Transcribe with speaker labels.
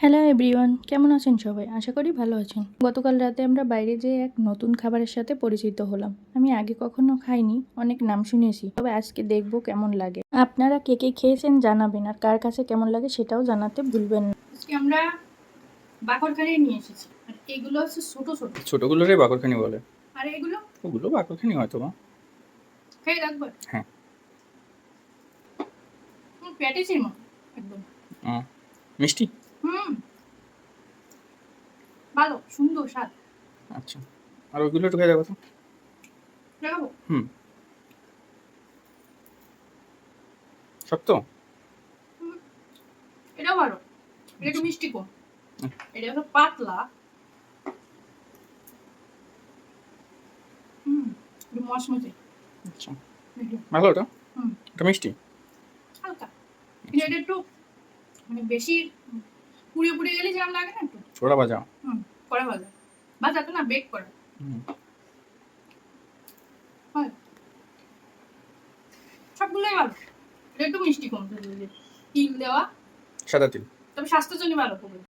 Speaker 1: Hello everyone, কেমন আছেন সবাই? আশা করি ভালো আছেন। গতকাল রাতে আমরা বাইরে যেয়ে এক নতুন খাবারের সাথে পরিচিত হলাম। আমি আগে কখনো খাইনি, অনেক নাম শুনেছি, তবে আজকে দেখবো কেমন লাগে। আপনারা কে কে খেয়েছেন জানাবেন, আর কার কাছে কেমন লাগে সেটাও জানাতে ভুলবেন না।
Speaker 2: আজকে আমরা বাকরখানি নিয়ে এসেছি, আর এগুলো হচ্ছে ছোট ছোট।
Speaker 3: ছোটগুলোরই বাকরখানি বলে।
Speaker 2: আর এগুলো
Speaker 3: ওগুলো বাকরখানি হয়তো বা।
Speaker 2: খেয়ে রাখবে।
Speaker 3: হ্যাঁ।
Speaker 2: প্যাটিসের মতো একদম।
Speaker 3: মিষ্টি।
Speaker 2: ভালো, সুন্দর স্বাদ।
Speaker 3: আচ্ছা, আর ওইগুলো একটু খেয়ে দেখো তো।
Speaker 2: দেখাবো?
Speaker 3: সব তো।
Speaker 2: এটাও ভালো, এটা একটু মিষ্টি কম। এটা হলো পাতলা, একটু মশমশে।
Speaker 3: আচ্ছা, ভালো ওটা। এটা মিষ্টি
Speaker 2: হালকা, কিন্তু এটা একটু মানে বেশি পুড়িয়ে পুড়িয়ে গেলে যেরকম লাগে না, একটু
Speaker 3: ছোড়া ভাজা।
Speaker 2: কড়া ভাজা, ভাজা তো না, বেক করা। সবগুলোই ভালো, এটা একটু মিষ্টি কম, তিল দেওয়া,
Speaker 3: সাদা তিল।
Speaker 2: তবে স্বাস্থ্যের জন্য ভালো খুবই।